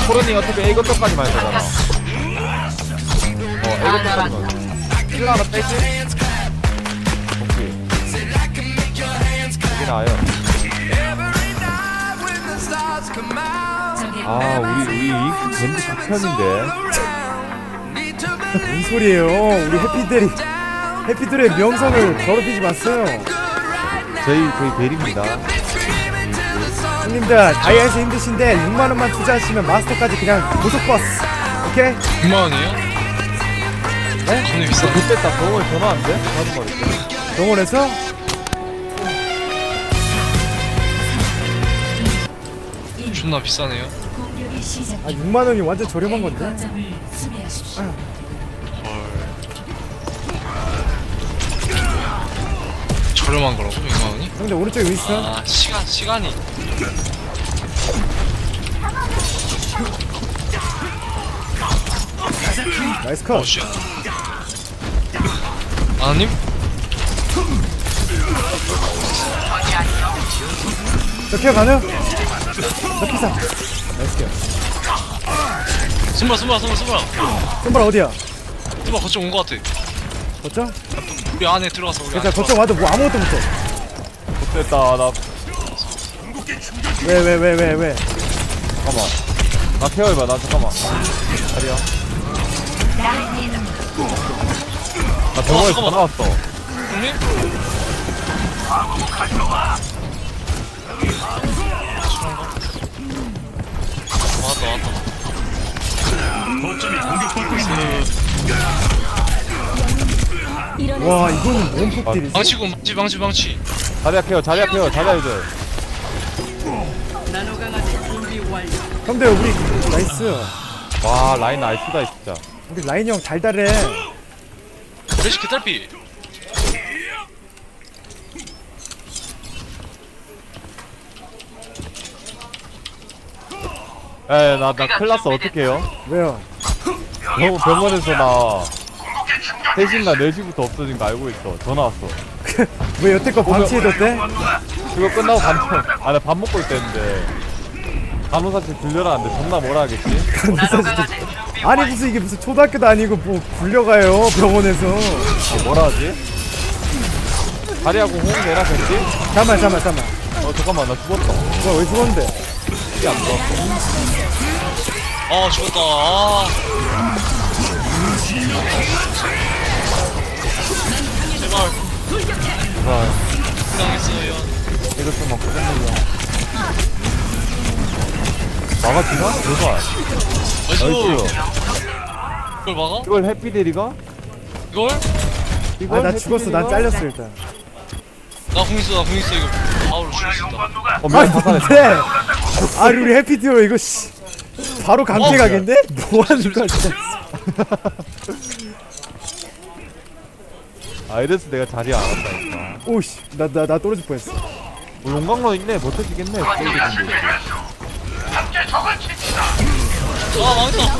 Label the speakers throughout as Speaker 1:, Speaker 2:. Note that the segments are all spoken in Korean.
Speaker 1: 코르니 어차피 A 거점까지만 해도 되잖아. A 거점까지만. 힐러 하나 빼지? 오케이. 여기 나와요. 아, 우리 밴드 극혐인데.
Speaker 2: 뭔 소리예요? 우리 해피들의 명성을 더럽히지 마세요.
Speaker 1: 저희 베리입니다.
Speaker 2: 형님들 다이아에서 힘드신데 6만원만 투자하시면 마스터까지 그냥 고속버스. 오케이?
Speaker 3: 6만원이에요?
Speaker 2: 네?
Speaker 3: 겁나 비싸네.
Speaker 1: 그때 딱 병원 전화 안 돼? 하는 말이지.
Speaker 2: 병원에서?
Speaker 3: 존나 비싸네요.
Speaker 2: 아 6만원이 완전 저렴한 건데?
Speaker 3: 헐. 저렴한 거라고? 6만원이?
Speaker 2: 형들 오른쪽에 윈스턴?
Speaker 3: 아 시간이
Speaker 2: 나이스 컷.
Speaker 3: 어씨 아님?
Speaker 2: 저 케어 가능? 저 피사. 나이스 케어.
Speaker 3: 숨바
Speaker 2: 손발 어디야?
Speaker 3: 거점 온 거 같아.
Speaker 2: 거점?
Speaker 3: 우리 안에 들어가서 우리
Speaker 2: 괜찮아
Speaker 3: 안에
Speaker 2: 거점 와도 뭐 아무것도 못해.
Speaker 1: 됐다. 나
Speaker 2: 왜?
Speaker 1: 잠깐만. 나 케어해봐. 나 잠깐만. 자리야. 나 병원에
Speaker 3: 잠깐만.
Speaker 1: 전화 왔어.
Speaker 3: 형님? 왔다
Speaker 2: 와 이거는 원폭딜이지.
Speaker 3: 망치
Speaker 1: 자리야 케어. 자리야 이제.
Speaker 2: 형들 우리 나이스.
Speaker 1: 와, 라인 나이스다 진짜.
Speaker 2: 우리 라인 형 달달해.
Speaker 3: 레시 개탈피.
Speaker 1: 에, 나 큰일 났어. 어떡해요?
Speaker 2: 왜요?
Speaker 1: 병원에서 나 3시인가 4시부터 없어진 거 알고 있어. 전화 왔어.
Speaker 2: 왜 여태껏 방치해뒀대?
Speaker 1: 그거 끝나고 나 밥 먹고 있었는데 간호사실 들려라는데 존나 뭐라 하겠지?
Speaker 2: 아니 무슨 이게 무슨 초등학교도 아니고 뭐 굴려가요 병원에서.
Speaker 1: 뭐라 하지? 다리하고 호응 내라 했지?
Speaker 2: 잠깐만.
Speaker 1: 잠깐만, 나 죽었다.
Speaker 2: 뭐야 왜 죽었는데?
Speaker 1: 이게 안 들어왔어.
Speaker 3: 아 죽었다. 아. 제발
Speaker 1: 아,
Speaker 3: 당했어요.
Speaker 1: 이거 좀 먹고 끝내자. 막아지나? 제발.
Speaker 3: 나이스.
Speaker 1: 나이스.
Speaker 3: 이걸 막아?
Speaker 1: 이걸 해피데리가?
Speaker 3: 이걸?
Speaker 1: 이걸
Speaker 2: 아 나 죽었어. 난 잘렸어 일단.
Speaker 3: 나 궁 있어 이거 바로 죽일 수 있다.
Speaker 1: 미안, 자살했어.
Speaker 2: 네. 아 우리 해피듀오 이거 씨 바로 강퇴 각인데? 뭐하는 거야 진짜.
Speaker 1: 아, 이래서 내가 자리 안 왔다니까.
Speaker 2: 오씨 나 떨어질 뻔했어.
Speaker 1: 뭐 용광로 있네. 버텨지겠네. 스테이지 준비.
Speaker 3: 아 망했다.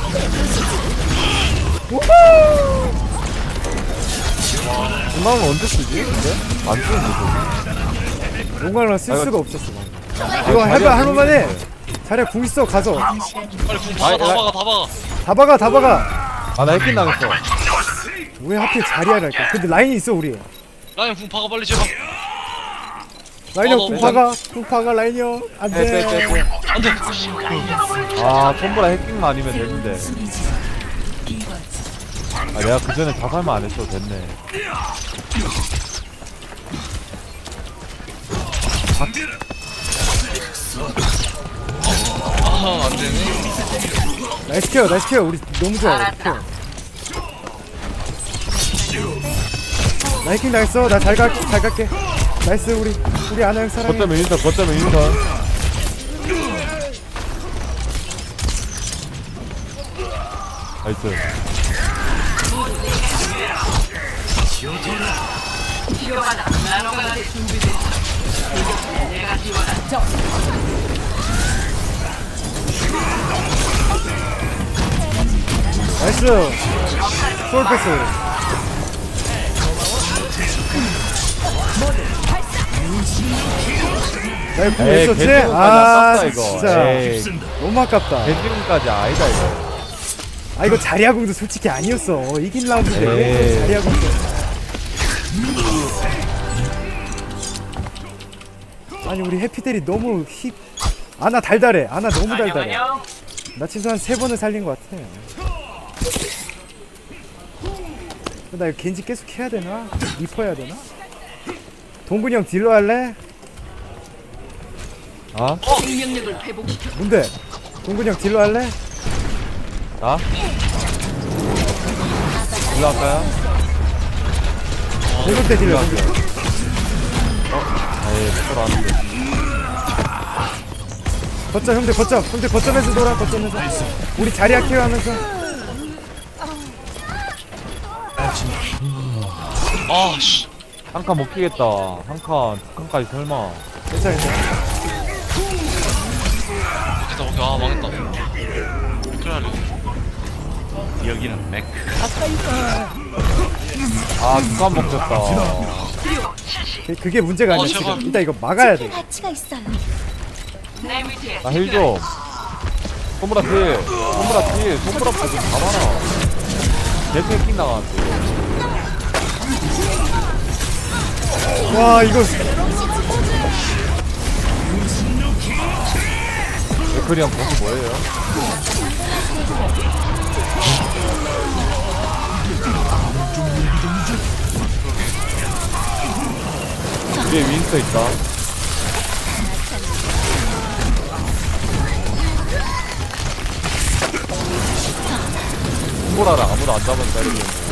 Speaker 1: 용광로 언제 쓰지? 근데? 안 쓰는데,
Speaker 2: 용광로 쓸
Speaker 1: 아,
Speaker 2: 수가
Speaker 1: 이거-
Speaker 2: 없었어. 이거 해봐 할만해. 자리야 궁 있어 가서.
Speaker 3: 빨리 궁
Speaker 1: 아이,
Speaker 3: 다 박아.
Speaker 2: 다 박아.
Speaker 1: 아, 나 해킹 당했어.
Speaker 2: 왜 하필 자리야랄까? 근데 라인이 있어 우리.
Speaker 3: 라인 궁 박아 빨리 제발.
Speaker 2: 라인 형
Speaker 3: 너
Speaker 2: 궁 박아 라인 형.
Speaker 1: 빼.
Speaker 2: 안돼.
Speaker 3: 안돼.
Speaker 1: 아, 톰브라 해킹만 아니면 되는데. 아, 내가 그 전에 자살만 안 했어도 됐네.
Speaker 3: 아 안되네.
Speaker 2: 나이스 케어 우리 너무 좋아. 케어. 나이킹 나이스. 나 잘 갈게. 나이스 우리 아나 형 사랑해.
Speaker 1: 거점에 인턴. 나이스.
Speaker 2: 나이스. 소울 패스. 나 이거
Speaker 1: 에이
Speaker 2: 했었지?
Speaker 1: 겐지군까지
Speaker 2: 아
Speaker 1: 아깝다 이거.
Speaker 2: 진짜
Speaker 1: 에이
Speaker 2: 너무 아깝다.
Speaker 1: 겐지군까지 아니다 이거.
Speaker 2: 아 이거 자리아공도 솔직히 아니었어. 이긴 라운드인데 왜
Speaker 1: 에이.
Speaker 2: 자리아공도. 아니 우리 해피델이 너무 힙. 아나 달달해. 아나 너무 달달해. 나 최소한 3번을 살린 것 같아. 나 이거 겐지 계속 해야 되나? 리퍼 해야 되나? 동근이 형 딜러 할래?
Speaker 1: 아?
Speaker 4: 생명력을 회복시켜.
Speaker 2: 뭔데? 동근이 형 딜러 할래?
Speaker 1: 나? 일로 할까요?
Speaker 2: 공격 때 딜러.
Speaker 1: 할게요. 에이 못 들어왔는데.
Speaker 2: 거점 형들 거점. 형들 거점에서 놀아 거점에서. 우리 자리아 케어하면서.
Speaker 3: 아씨
Speaker 1: 한 칸 못 끼겠다. 한 칸, 두 칸까지 설마.
Speaker 2: 괜찮아 괜찮아.
Speaker 3: 됐다 오케이 아 망했다 그래
Speaker 1: 아, 두 칸 먹혔다.
Speaker 2: 그게 문제가 아니야
Speaker 3: 제발.
Speaker 2: 지금. 일단 이거 막아야 돼.
Speaker 5: 가치가 있어요.
Speaker 4: 내 위치에
Speaker 1: 나 힐 좀. 손보라 필. 손보라 필. 손보라 필 좀 잡아라. 대패 킹 나가는데.
Speaker 2: 와 이거
Speaker 1: 맥클이 형 거기 뭐예요? 위에 윈스터 있다. 손보라랑 아무도 안 잡은 자리였네.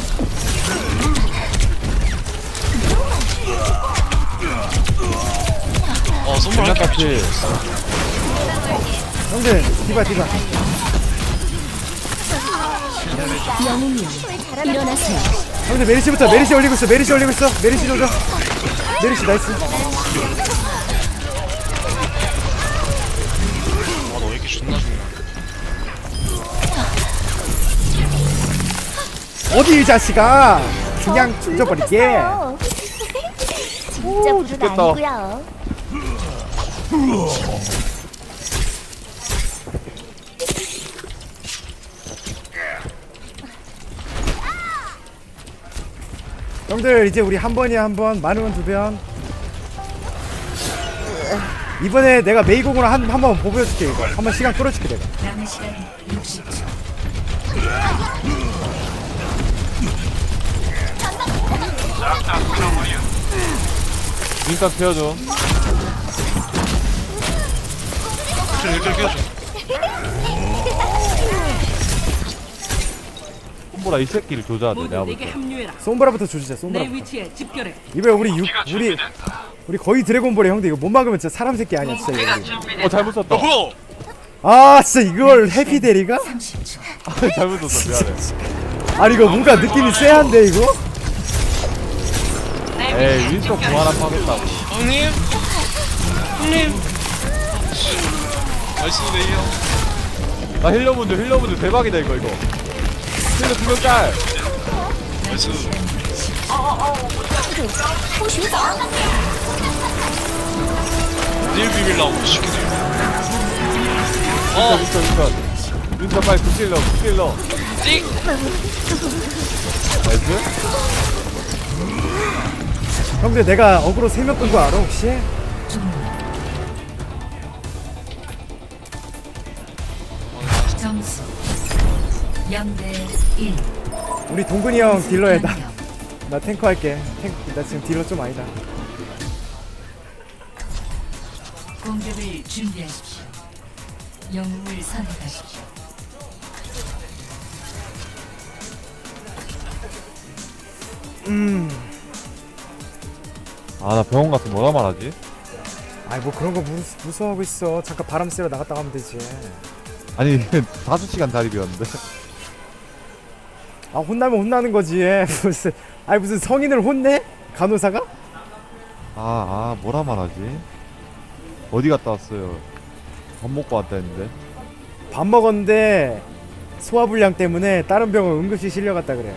Speaker 3: 선물 할게
Speaker 1: 장난같이
Speaker 2: 형들 디바
Speaker 5: 영웅님, 일어나세요.
Speaker 2: 형들 메리시부터. 메리시 올리고 있어. 메리시 조져. 메리시 나이스.
Speaker 3: 아너 왜 이렇게 존나 죽냐
Speaker 2: 어디 이 자식아. 그냥 죽여버릴게.
Speaker 5: 진짜 불은
Speaker 1: 죽겠다.
Speaker 5: 아니고요.
Speaker 2: 형들 이제 우리 한 번이야 한 번. 많으면 2번. 이번에 내가 메이공으로 한번 보여줄게 이거. 한번 시간 끌어줄게 내가.
Speaker 4: 남은 시간 60초.
Speaker 1: 윈스터 피워줘.
Speaker 3: 그래 이렇게 끼워줘
Speaker 1: 손보라 이 새끼를 조져야 돼. 내가
Speaker 4: 모두
Speaker 1: 볼
Speaker 4: 내게
Speaker 1: 때.
Speaker 4: 합류해라.
Speaker 2: 솜브라부터 조지자.
Speaker 4: 내
Speaker 2: 솜브라부터.
Speaker 4: 위치에 집결해.
Speaker 2: 이번에 우리 거의 드래곤볼이야 형들. 이거 못 막으면 진짜 사람 새끼 아니야 진짜 이거.
Speaker 1: 잘못 썼다.
Speaker 3: 뭐야
Speaker 2: 아 진짜 이걸 해피데리가?
Speaker 1: 잘못 썼어. 미안해.
Speaker 2: 아니 이거 뭔가 느낌이 쎄한데 이거?
Speaker 1: 에이 윈스터 공 하나 파겠다고.
Speaker 3: 형님 나이스 네이형
Speaker 1: 나 힐러분들 대박이다 이거. 힐러 2명 짤.
Speaker 3: 나이스 닐 비빌라고 시키네
Speaker 1: 윈스터 빨리 굿힐러.
Speaker 3: 찍
Speaker 1: 나이스.
Speaker 2: 형들 내가 어그로 3명 끈 거 알아 혹시?
Speaker 4: 점수 0대 1.
Speaker 2: 우리 동근이 형 딜러에 나 탱커 할게. 나 지금 딜러 좀 아니다.
Speaker 4: 공격을 준비하십시오. 영웅을 선택하십시오.
Speaker 1: 아 나 병원 가서 뭐라 말하지?
Speaker 2: 아이 뭐 그런 거 무서워하고 있어. 잠깐 바람 쐬러 나갔다 가면 되지.
Speaker 1: 아니 5시간 달입이었는데.
Speaker 2: 아 혼나면 혼나는 거지. 무슨 성인을 혼내? 간호사가?
Speaker 1: 뭐라 말하지? 어디 갔다 왔어요? 밥 먹고 왔다 했는데.
Speaker 2: 밥 먹었는데 소화불량 때문에 다른 병원 응급실 실려갔다 그래.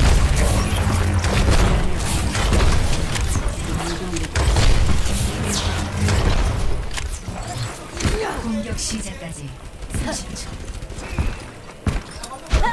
Speaker 4: 공격 시작까지 30초.